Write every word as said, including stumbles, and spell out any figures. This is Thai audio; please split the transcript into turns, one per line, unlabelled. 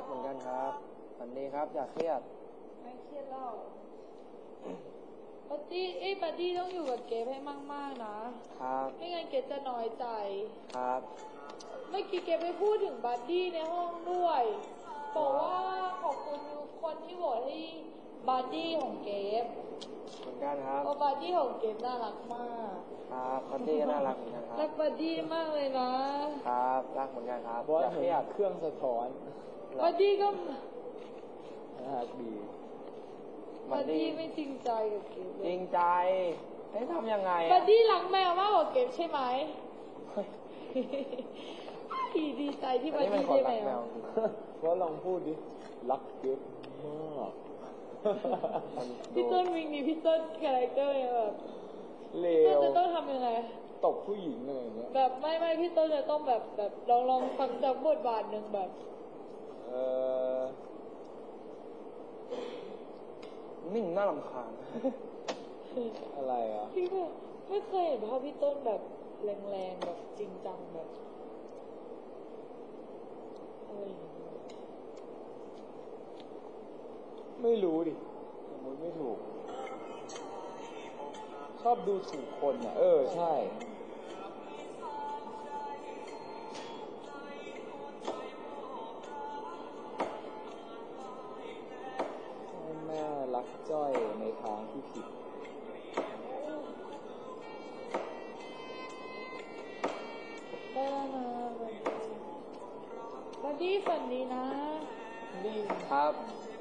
กเหมือนกันครับฝันดีครับอย่าเครียด
ไม่เครียดเล่าบัดดี้เอ้ยบัดดี้ต้องอยู่กับเกฟให้มากๆนะครับไม่งั้นเกฟจะน้อยใจ
ครับ
เมื่อกี้เกฟไปพูดถึงบัดดี้ในห้องด้วยบอกว่าขอบคุณทุกคนที่โหวตให้บัดดี้ของเกฟ
เหมือนกันครับ
เพราะบัดดี้ของเกฟน่ารักมาก
ครับบัดดี้ก็น่ารักเหมือนกันครับ
รักบัดดี้มากเลยนะครับ
รักเหมือนกันครับ
อย่าเครียดเครื่องสะท้อน
บัดดี้ก็
น่ารักดี
บัดดี้ไม่จริงใจกับเกฟ
จริงใจให้ทำยังไง
บัดดี้รักแมวมากกว่าเกฟใช่ไหมดีใจที่บัดดี้ได้แมว
ว่าลองพูดดิรักเกฟมาก
พี่ต้นวิ่งนี่พี่ต้นคาแรคเตอร์แบบ
เลว
จะต้องทำยังไง
ตบผู้หญิงอะไรอย่างเงี้ย
แบบไม่ไม่พี่ต้นจะต้องแบบแบบลองลองฟังจากบทบาทหนึ่งแบบ
เออนิ่งน่ารำคาญ
อะไรอ่ะ
พี่แบบไม่เคยเห็นภาพพี่ต้นแบบแรงๆแบบจริงจังแบบอะไรอย่างเงี้ย
ไม่รู้ดิมันไม่ถูกชอบดูถูกคนอ่ะเออใช่แม่รักจ้อยในทางที่ผิด
ได้แล้วนะบัดดี้ฝันดีนะ
ครับ